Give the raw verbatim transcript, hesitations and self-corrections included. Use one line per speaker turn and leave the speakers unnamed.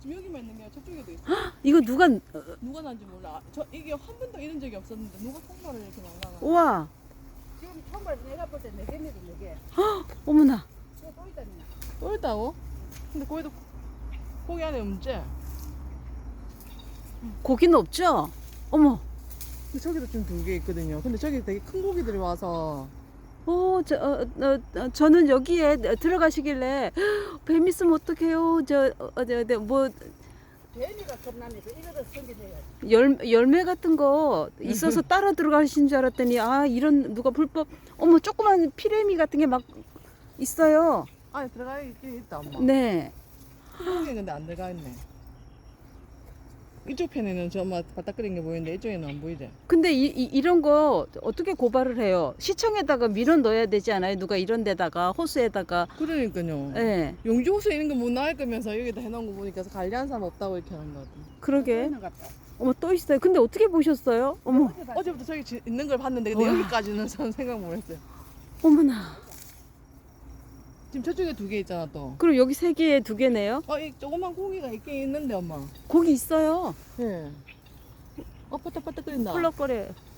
여기만 있는 게 아니라 저쪽에도 있어.
이거 누가,
누가 난지 몰라. 저 이게 한 번도 이런 적이 없었는데 누가 콩나를 이렇게 날라가.
우와,
지금 정말 내가 볼 때 네 개미도 네 개.
어머나.
또, 또 있다니.
또 있다고? 근데 거기도 고기 안에 없지?
고기는 없죠? 어머.
근데 저기도 좀 두 개 있거든요. 근데 저기 되게 큰 고기들이 와서
어, 저, 어, 어, 어, 저는 여기에 들어가시길래 뱀 있으면 어떡해요? 저, 어, 어, 저, 저, 뭐,
개미가 겁나네. 그 이거를 숨기내야지.
열, 열매 같은 거 있어서 따라 들어가신 줄 알았더니, 아, 이런, 누가 불법, 어머, 조그만 피레미 같은 게 막 있어요.
안에 들어가 있긴 있다 엄마.
네.
큰 고기는 근데 안 들어가 있네. 이쪽 편에는 저 엄마 바닥거리는 게 보이는데 이쪽에는 안 보이지?
근데 이, 이, 이런 거 어떻게 고발을 해요? 시청에다가 밀어 넣어야 되지 않아요? 누가 이런 데다가, 호수에다가.
그러니까요.
네.
용지 호수 있는 거 못 나갈 거면서 여기다 해놓은 거 보니까 관리한 사람 없다고 이렇게 하는 거 같아.
그러게.
있는 것 같다.
어머, 또 있어요. 근데 어떻게 보셨어요? 어머,
어제 봤지?
어제부터 저기 지- 있는 걸 봤는데 근데
와.
여기까지는 저는 생각 못 했어요.
어머나.
지금 저쪽에 두 개 있잖아 또.
그럼 여기 세 개에 두 개네요?
어, 이 조그만 고기가 있긴 있는데 엄마.
고기 있어요.
예. 어, 빠딱빠딱 끓인다.
펄럭거려.